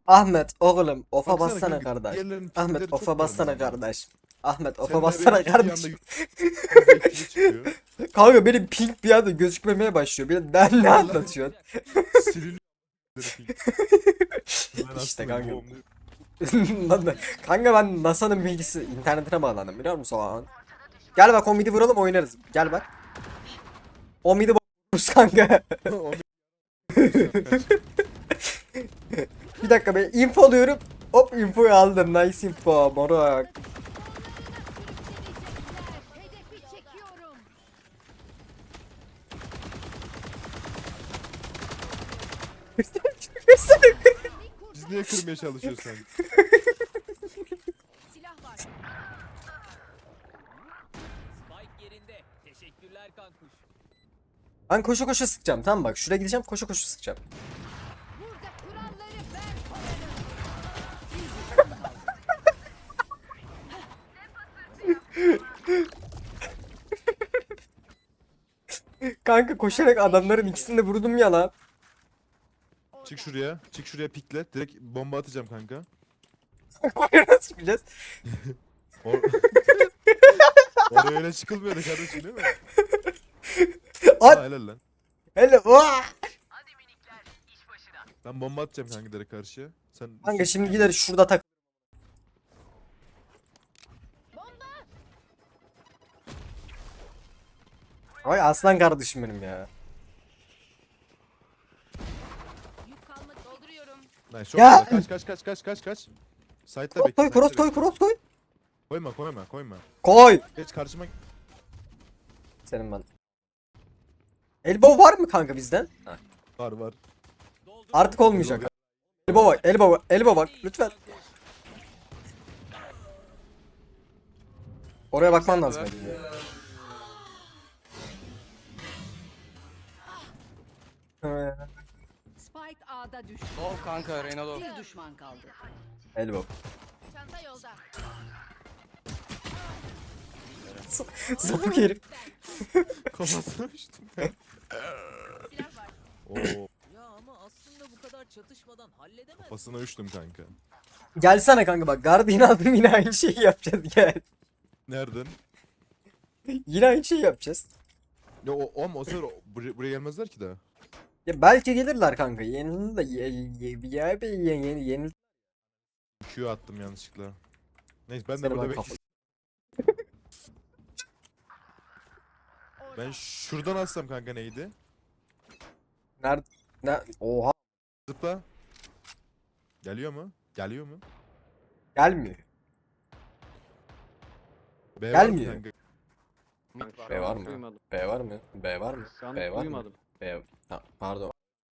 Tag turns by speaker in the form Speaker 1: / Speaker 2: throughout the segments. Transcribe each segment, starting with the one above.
Speaker 1: Ahmet oğlum ofa
Speaker 2: Baksana
Speaker 1: bassana
Speaker 2: kanka,
Speaker 1: kardeş.
Speaker 2: diğerlerinin
Speaker 1: Ahmet
Speaker 2: tipleri
Speaker 1: ofa
Speaker 2: çok
Speaker 1: bassana
Speaker 2: benziyor.
Speaker 1: kardeş. Ahmet
Speaker 2: Sen
Speaker 1: ofa
Speaker 2: de
Speaker 1: bassana
Speaker 2: benimki bir
Speaker 1: kardeş.
Speaker 2: anda yüzde ikili çıkıyor.
Speaker 1: Kanka benim ping bir anda gözükmemeye başlıyor. Bir de ben ne
Speaker 2: Vallahi
Speaker 1: anlatıyorsun?
Speaker 2: siliniyor ping. Ben
Speaker 1: İşte
Speaker 2: hastayım
Speaker 1: kanka.
Speaker 2: boğumluyum.
Speaker 1: Kanka ben NASA'nın bilgisi internetine bağlandım biliyor musun o an? Gel bak o midi vuralım oynarız. Gel bak. O midi vururuz kanka.
Speaker 2: Onu kaç.
Speaker 1: Bir dakika ben info alıyorum. Hop infoyu aldım. Nice info moruk.
Speaker 3: Hedefi çekiyorum.
Speaker 2: Biz niye kırmaya çalışıyoruz sen?
Speaker 3: Silah var.
Speaker 4: Spike yerinde. Teşekkürler kankuş.
Speaker 1: Ben koşu koşu sıkacağım tamam bak şuraya gideceğim koşu koşu sıkacağım.
Speaker 3: Burada kuralları ben koyarım.
Speaker 1: Kanka koşarak adamların ikisini de vurdum ya lan.
Speaker 2: Çık şuraya. Çık şuraya pikle. Direkt bomba atacağım kanka.
Speaker 1: Nasıl çıkacağız?
Speaker 2: Or Oraya öyle çıkılmıyordu kardeşim değil mi?
Speaker 1: At.
Speaker 2: Ha, helal lan.
Speaker 1: Hele vaa!
Speaker 2: Ben bomba atacağım kanka direkt karşıya. Sen
Speaker 1: Kanka şimdi gider şurada tak. Ay aslan kardeşim benim ya.
Speaker 3: Yük kalmadı. Dolduruyorum.
Speaker 2: Nice, çok
Speaker 1: Ya!
Speaker 2: güzel. Kaç. Side'da
Speaker 1: Cross
Speaker 2: bekle.
Speaker 1: koy
Speaker 2: side'da
Speaker 1: cross koy
Speaker 2: bekle.
Speaker 1: cross koy.
Speaker 2: Koyma.
Speaker 1: Koy.
Speaker 2: Geç karşıma.
Speaker 1: Senin ben. Elbow var mı kanka bizden? Ha.
Speaker 2: Var.
Speaker 1: Artık olmayacak. Elbow bak elbow bak lütfen. Oraya bakman lazım.
Speaker 3: Spike A'da düştü.
Speaker 5: Low kanka Reyna low.
Speaker 3: Bir düşman kaldı.
Speaker 1: Elbow.
Speaker 3: Çanta yolda.
Speaker 1: Sapık herif.
Speaker 2: Kafasına uçtum.
Speaker 3: Silah var.
Speaker 2: Oo,
Speaker 4: Ya ama aslında bu kadar çatışmadan halledemez.
Speaker 2: kafasına uçtum kanka.
Speaker 1: Gelsene kanka bak Guardian aldım yine aynı şeyi yapacağız gel.
Speaker 2: Nereden?
Speaker 1: Yine aynı şeyi yapacağız.
Speaker 2: Ya o sefer buraya gelmezler ki daha.
Speaker 1: Ya belki gelirler kanka. Yenildi de yenildi.
Speaker 2: Q attım yanlışlıkla. Neyse ben de
Speaker 1: Seni
Speaker 2: burada
Speaker 1: ben
Speaker 2: bekliyorum. Ben şuradan atsam kanka neydi?
Speaker 1: Nerede? Ne? Oha
Speaker 2: Zıpla. Geliyor mu?
Speaker 1: gelmiyor.
Speaker 2: B
Speaker 1: Gelmiyor.
Speaker 2: var mı kanka?
Speaker 5: Mid var.
Speaker 1: B var mı?
Speaker 5: Duymadım.
Speaker 1: B var mı? B var mı?
Speaker 5: Şu an
Speaker 1: B var mı?
Speaker 5: duymadım.
Speaker 1: B. Ha, pardon.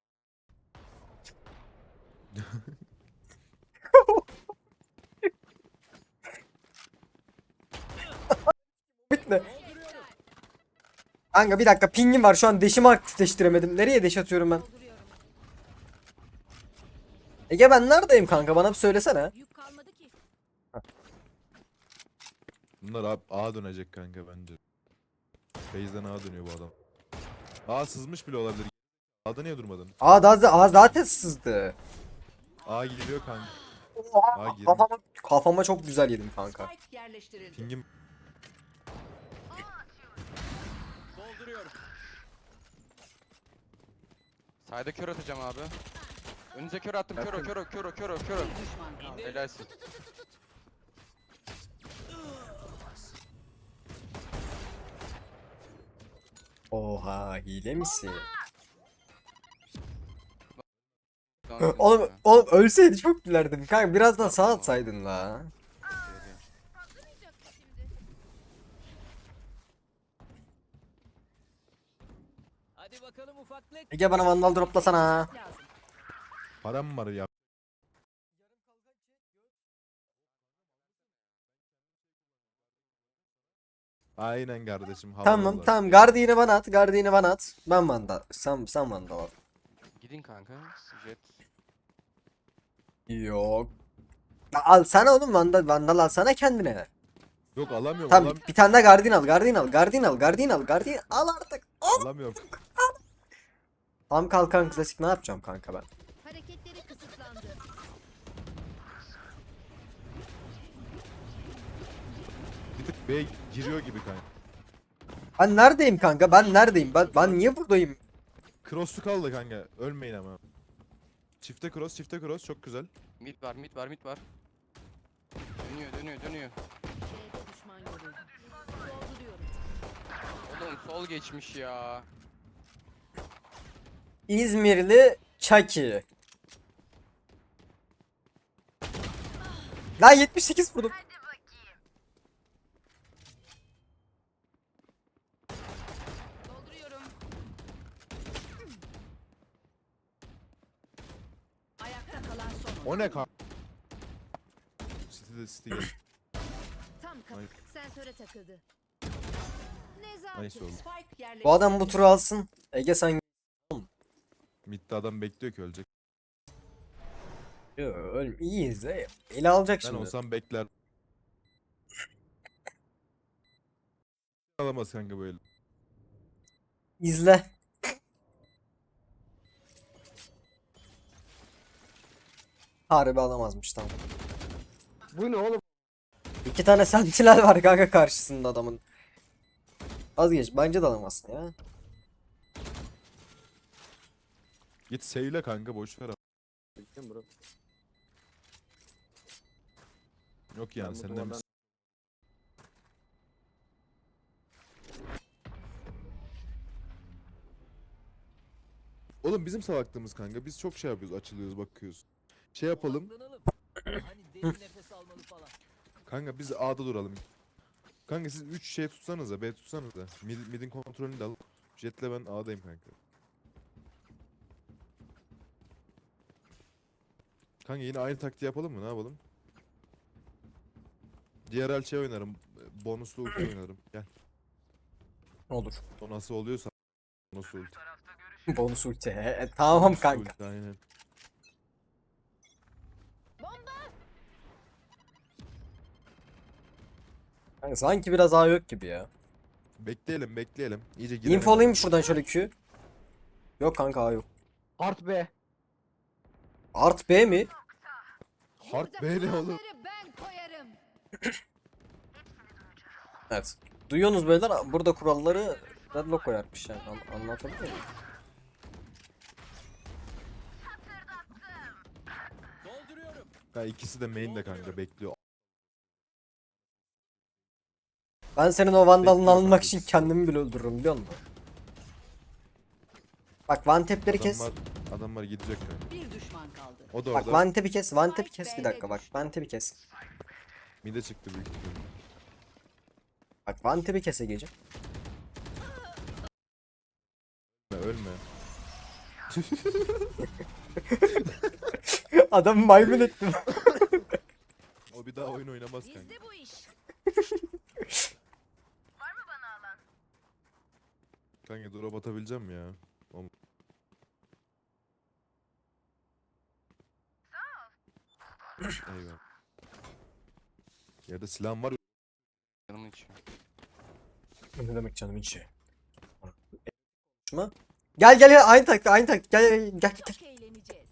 Speaker 1: Bitti. Kanka bir dakika pingim var şu an deşimi aktifleştiremedim. Nereye deş atıyorum ben?
Speaker 3: Dolduruyorum.
Speaker 1: Ege ben neredeyim kanka bana bir söylesene.
Speaker 3: Yük kalmadı ki.
Speaker 2: Bunlar A dönecek kanka bence. Base'den A dönüyor bu adam. A sızmış bile olabilir. A'da niye durmadın?
Speaker 1: Aa zaten sızdı.
Speaker 2: A geliyor kanka. A girmiş.
Speaker 1: Kafama çok güzel yedim kanka.
Speaker 3: Spike yerleştirildi.
Speaker 2: Pingim
Speaker 4: Dolduruyorum.
Speaker 5: Sayda kör atacağım abi. Önünüze kör attım. Kör.
Speaker 3: Bir düşman kaldı.
Speaker 5: Helalsin.
Speaker 1: Oha hile misin?
Speaker 5: Tamam,
Speaker 1: Oğlum ölseydi çok gülerdim kanka birazdan sağ atsaydın la.
Speaker 4: Hadi bakalım ufaklık.
Speaker 1: Ege bana vandal droplasana.
Speaker 3: Lazım.
Speaker 2: param var ya. Aynen kardeşim.
Speaker 1: Tamam
Speaker 2: havalılar.
Speaker 1: tamam Guardian'ı bana at Guardian'ı bana at. Ben vandal sen vandal al.
Speaker 5: Gidin kanka. Jet.
Speaker 1: Yok. Ya al sana oğlum vandal al sana kendine.
Speaker 2: Yok alamıyorum.
Speaker 1: Tamam bir tane daha Guardian al artık.
Speaker 2: Alamıyorum.
Speaker 1: Tam kalkan klasik ne yapacağım kanka ben?
Speaker 3: Hareketleri kısıtlandı.
Speaker 2: B giriyor gibi kanka.
Speaker 1: Ben neredeyim kanka? Ben neredeyim? Ben niye buradayım?
Speaker 2: Cross'u kaldı kanka. Ölmeyin ama. Çifte cross, çifte cross çok güzel.
Speaker 5: Mid var, mid var, mid var. Dönüyor.
Speaker 3: B'de düşman görüldü. Dolduruyorum.
Speaker 5: Oğlum sol geçmiş ya.
Speaker 1: İzmirli Chucky. Lan 78 vurdum.
Speaker 3: Dolduruyorum. Ayakta kalan son.
Speaker 2: O ne kanka? City gel.
Speaker 3: Tam kapı.
Speaker 2: Ay.
Speaker 3: Sensöre takıldı.
Speaker 2: Nice oldu.
Speaker 3: Spike yerleştirildi.
Speaker 1: Bu adam bu turu alsın. Ege sen
Speaker 2: Mid'de adam bekliyor ki ölecek.
Speaker 1: iyiyiz de. Ele alacak
Speaker 2: Ben
Speaker 1: şimdi.
Speaker 2: olsam bekler. Alamaz kanka böyle.
Speaker 1: İzle. Harbi alamazmış tamam.
Speaker 6: Bu ne oğlum?
Speaker 1: 2 tane sentinel var kanka karşısında adamın. Vazgeç bence de alamazsın ya.
Speaker 2: Git seyle kanka boş ver.
Speaker 6: Kim bro?
Speaker 2: Yok yani
Speaker 6: Ben bu
Speaker 2: senden
Speaker 6: duvardan-
Speaker 2: bir... Oğlum bizim salaklığımız kanka. Biz çok şey yapıyoruz, açılıyoruz, bakıyoruz. Şey yapalım.
Speaker 4: Odaklanalım. Hani derin nefes almalı falan.
Speaker 2: Kanka biz A'da duralım. Kanka siz 3 şey tutsanıza, B tutsanıza. Mid'in kontrolünü de al. Jet'le ben A'dayım kanka. Kanka yine aynı taktiği yapalım mı? Ne yapalım? Diğer el şey oynarım. Bonuslu ulti oynarım. Gel.
Speaker 1: Olur.
Speaker 2: O nasıl oluyorsa. Bonus ulti.
Speaker 1: Bonus ulti. Tamam
Speaker 2: Bonus
Speaker 1: kanka.
Speaker 2: ulti, aynen.
Speaker 1: Kanka sanki biraz A yok gibi ya.
Speaker 2: Bekleyelim. İyice girelim.
Speaker 1: Infolayayım şuradan şöyle Q. Yok kanka A yok.
Speaker 6: Art B.
Speaker 1: Art B mi?
Speaker 2: Hard B ne oğlum?
Speaker 3: Ben koyarım.
Speaker 1: Evet. Duyuyorsunuz beyler burada kuralları Deadlock koyarmış yani. Anlatabiliyor muyum?
Speaker 4: Dolduruyorum.
Speaker 2: Ha, ikisi de main'de kanka bekliyor.
Speaker 1: Ben senin o vandalını
Speaker 2: Bekliyorum
Speaker 1: almak
Speaker 2: abi.
Speaker 1: için kendimi bile öldürürüm biliyor musun? Bak one tap'leri kes.
Speaker 2: Adamlar gidecek kanka.
Speaker 3: Bir düşman kaldı.
Speaker 2: O da
Speaker 1: Bak
Speaker 2: orada.
Speaker 1: one tap'i kes. One tap'i kes bir dakika bak. One tap'i kes.
Speaker 2: Mide çıktı büyük ihtimalle.
Speaker 1: Bak one tap'i kes Ege'ciğim.
Speaker 2: Ölme.
Speaker 1: Adamı maymun ettim.
Speaker 2: O bir daha oyun oynamaz kanka.
Speaker 3: Bizde bu iş.
Speaker 2: Kanka drop atabileceğim ya. Eyvah. Yerde silahım var.
Speaker 5: Canımın içi.
Speaker 1: Ne demek canım içi? Konuşma. Gel aynı taktik gel.
Speaker 3: Çok eğleneceğiz.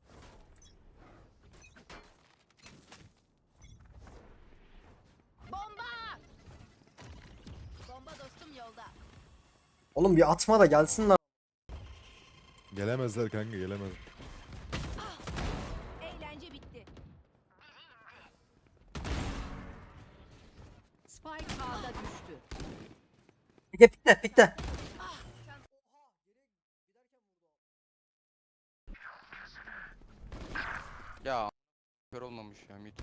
Speaker 3: Bomba! Bomba dostum yolda.
Speaker 1: Oğlum bir atma da gelsin lan.
Speaker 2: Gelemezler kanka gelemez.
Speaker 3: Eğlence bitti. Spike A'da düştü.
Speaker 1: Ege bitti.
Speaker 5: Ya kör olmamış ya mid.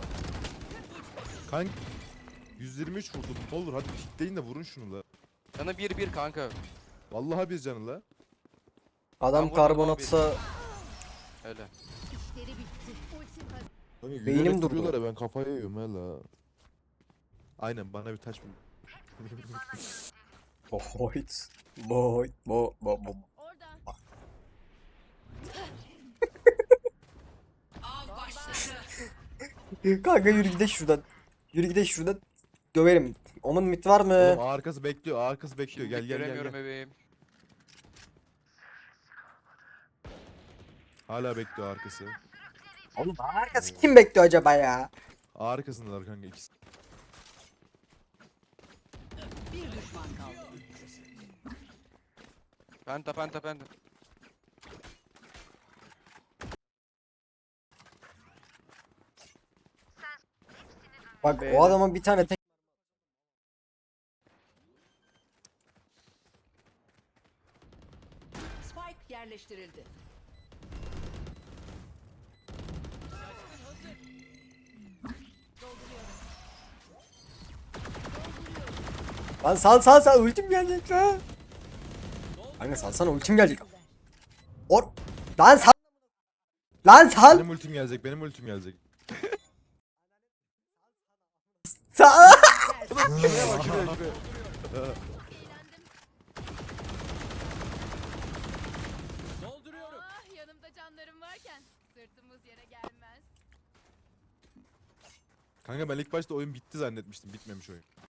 Speaker 2: Kanka 123 vurdum. Ne olur hadi pikleyin de vurun şunu la.
Speaker 5: Canı 1-1 kanka.
Speaker 2: Vallahi bir canı la.
Speaker 1: Adam
Speaker 5: vurdum
Speaker 1: karbonatsa
Speaker 5: Öyle.
Speaker 3: İşleri bitti. Ultim hazır.
Speaker 2: Kanka,
Speaker 1: Beynim
Speaker 2: yürüyerek
Speaker 1: durdu.
Speaker 2: vuruyorlar ya, ben kafayı yiyorum hala. Aynen bana bir taş bul.
Speaker 1: Boy.
Speaker 3: Orada. Av başladı.
Speaker 1: Kanka yürü gidelim şuradan. Döverim. Onun mit var mı?
Speaker 2: Oğlum arkası bekliyor, arkası bekliyor.
Speaker 5: Şimdi
Speaker 2: Gel.
Speaker 5: göremiyorum bebeğim.
Speaker 2: Hala bekliyor arkası.
Speaker 1: Oğlum arkası kim bekliyor acaba ya?
Speaker 2: Arkasındalar kanka ikisi.
Speaker 3: düşman kaldı.
Speaker 5: Penta.
Speaker 1: Bak
Speaker 6: Beyler.
Speaker 1: o adamın bir tane tek
Speaker 3: Spike yerleştirildi.
Speaker 1: Lan sal ultim gelecek lan. Kanka salsana ultim gelecek. Or lan sal. Lan sal.
Speaker 2: Benim ultim gelecek.
Speaker 1: Sal.
Speaker 6: Şuraya bak şuraya.
Speaker 4: Dolduruyorum.
Speaker 7: Ah, yanımda canlarım varken sırtımız yere gelmez.
Speaker 2: Kanka ben ilk başta oyun bitti zannetmiştim. Bitmemiş oyun.